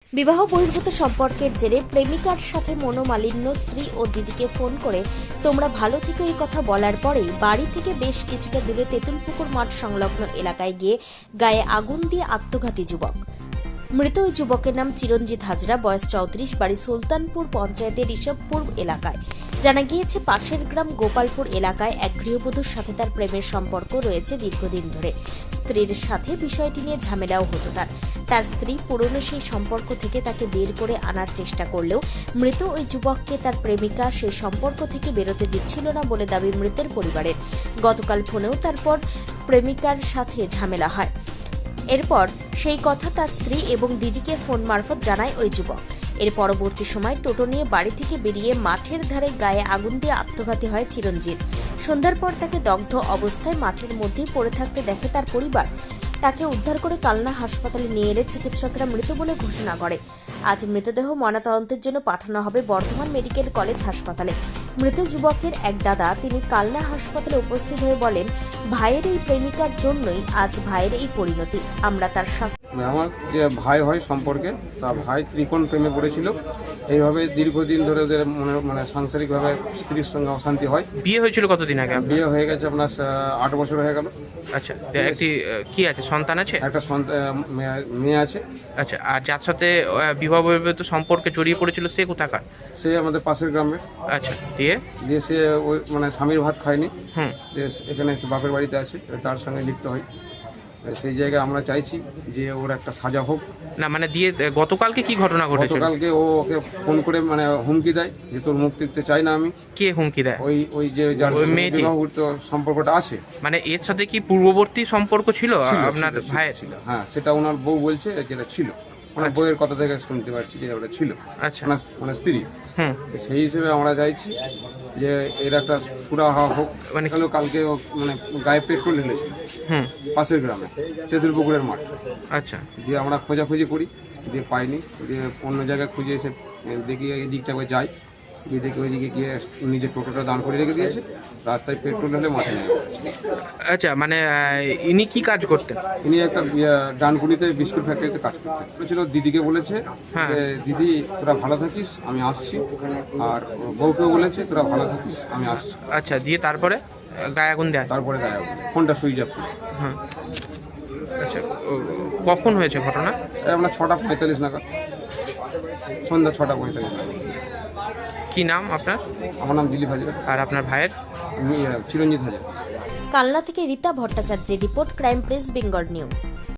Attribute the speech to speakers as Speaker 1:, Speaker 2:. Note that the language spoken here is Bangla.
Speaker 1: বিবাহ বহির্ভূত সম্পর্কের জেরে প্রেমিকার সাথে মনোমালিন্য স্ত্রী ও দিদিকে ফোন করে তোমরা ভালো থেকো এই কথা বলার পরেই বাড়ি থেকে বেশ কিছুটা দূরে তেঁতুলপুকুর মাঠ সংলগ্ন এলাকায় গিয়ে গায়ে আগুন দিয়ে আত্মঘাতী যুবক। মৃত ওই যুবকের নাম চিরঞ্জিত হাজরা, বয়স 34, বাড়ি সুলতানপুর পঞ্চায়েতের ঋষভপুর এলাকায়। জানা গিয়েছে পাশের গ্রাম গোপালপুর এলাকায় এক গৃহবধূর সাথে তার প্রেমের সম্পর্ক রয়েছে দীর্ঘদিন ধরে। স্ত্রীর সাথে বিষয়টি নিয়ে ঝামেলাও হতো তার স্ত্রী পুরনো সেই সম্পর্ক থেকে তাকে বের করে আনার চেষ্টা করলেও মৃত ওই যুবককে তার প্রেমিকা সেই সম্পর্ক থেকে বেরোতে দিচ্ছিল না বলে দাবি মৃতের পরিবারের। গতকাল ফোনেও তারপর প্রেমিকার সাথে ঝামেলা হয়। এরপর সেই কথা তার স্ত্রী এবং দিদিকে ফোন মারফত জানায় ওই যুবক। এর পরবর্তী সময় টোটো নিয়ে বাড়ি থেকে বেরিয়ে মাঠের ধারে গায়ে আগুন দিয়ে আত্মঘাতী হয় চিরঞ্জিত। সন্ধ্যার পর তাকে দগ্ধ অবস্থায় মাঠের মধ্যেই পড়ে থাকতে দেখে তার পরিবার। তাকে উদ্ধার করে কালনা হাসপাতালে নিয়ে এলে চিকিৎসকরা মৃত বলে ঘোষণা করে। আজ মৃতদেহ ময়নাতদন্তের জন্য পাঠানো হবে বর্ধমান মেডিকেল কলেজ হাসপাতালে। মৃত যুবকের এক দাদা তিনি কালনা হাসপাতালে উপস্থিত হয়ে বলেন, ভাইয়ের এই প্রেমিকার জন্যই আজ ভাইয়ের এই পরিণতি। আমরা তার
Speaker 2: আমার যে ভাই হয় সম্পর্কে, তা ভাই ত্রিকোণ প্রেমে পড়েছিল। এইভাবে দীর্ঘদিন ধরে ওদের মানে সাংসারিকভাবে স্ত্রীর সঙ্গে অশান্তি হয়।
Speaker 3: বিয়ে হয়েছিল কতদিন আগে?
Speaker 2: বিয়ে হয়ে গেছে আপনার 8 বছর হয়ে গেল।
Speaker 3: আচ্ছা, একটি কি আছে, সন্তান আছে?
Speaker 2: একটা মেয়ে আছে।
Speaker 3: আচ্ছা, আর যার সাথে বিবাহ বহির্ভূত সম্পর্কে জড়িয়ে পড়েছিল সে কোথাকার?
Speaker 2: সে আমাদের পাশের গ্রামে।
Speaker 3: আচ্ছা, দিয়ে
Speaker 2: সে ওই মানে স্বামীর ভাত খায়নি।
Speaker 3: যে
Speaker 2: এখানে এসে বাপের বাড়িতে আছে, তার সঙ্গে লিপ্ত হয়। সেই জায়গায় আমরা চাইছি যে ওর একটা সাজা হোক।
Speaker 3: না মানে দিয়ে গতকালকে কি ঘটনা ঘটেছিল?
Speaker 2: গতকালকে ও ওকে ফোন করে মানে হুমকি দেয় যে তোর মুখ দেখতে চাই না আমি।
Speaker 3: কে হুমকি দেয়?
Speaker 2: ওই যে যার
Speaker 3: মেয়েটি
Speaker 2: বিবাহিত সম্পর্কটা আছে।
Speaker 3: মানে এর সাথে কি পূর্ববর্তী সম্পর্ক ছিল আপনার ভাইয়ের?
Speaker 2: ছিল, হ্যাঁ, সেটা ওনার বউ বলছে যেটা ছিল। ওনার বউয়ের কথা থেকে শুনতে পারছি যে ওটা ছিল।
Speaker 3: আচ্ছা,
Speaker 2: মানে স্ত্রী। সেই হিসেবে আমরা চাইছি যে এর একটা সুরাহা হোক। মানে কালকে মানে গায়ে পেট্রোল ঢেলেছিল পাশের গ্রামে তেঁতুলপুকুরের মাঠ।
Speaker 3: আচ্ছা,
Speaker 2: দিয়ে আমরা খোঁজাখুঁজি করি, দিয়ে পাইনি। দিয়ে অন্য জায়গায় খুঁজে এসে দেখি এই দিকটা করে যাই, গিয়ে দেখি ওইদিকে গিয়ে নিজের টোটোটা দাঁড় করে রেখে দিয়েছে। রাস্তায় পেট্রোল ঢেলে মাঠে নেমে পড়েছে।
Speaker 3: আচ্ছা, মানে ইনি কি কাজ করতেন?
Speaker 2: ইনি একটা ডানকুনিতে বিস্কুট ফ্যাক্টরিতে কাজ করতেন। বলেছিল দিদিকে বলেছে যে দিদি তোরা ভালো থাকিস, আমি আসছি। আর বউকেও বলেছে তোরা ভালো থাকিস, আমি আসছি।
Speaker 3: আচ্ছা, দিয়ে তারপরে গায়ে আগুন দেয়?
Speaker 2: তারপরে গায়ে আগুন, ফোনটা সুইচ অফ করে।
Speaker 3: হ্যাঁ, আচ্ছা, কখন হয়েছে ঘটনা?
Speaker 2: আমরা 6:45 নাগাদ, সন্ধ্যা 6:45 নাগাদ।
Speaker 3: কি নাম আপনার?
Speaker 2: আমার নাম দিলীপ হাজরা।
Speaker 3: আর আপনার ভাইয়ের?
Speaker 2: চিরঞ্জিত হাজরা।
Speaker 1: কালনা থেকে রীতা ভট্টাচার্যের report, crime press Bengal news.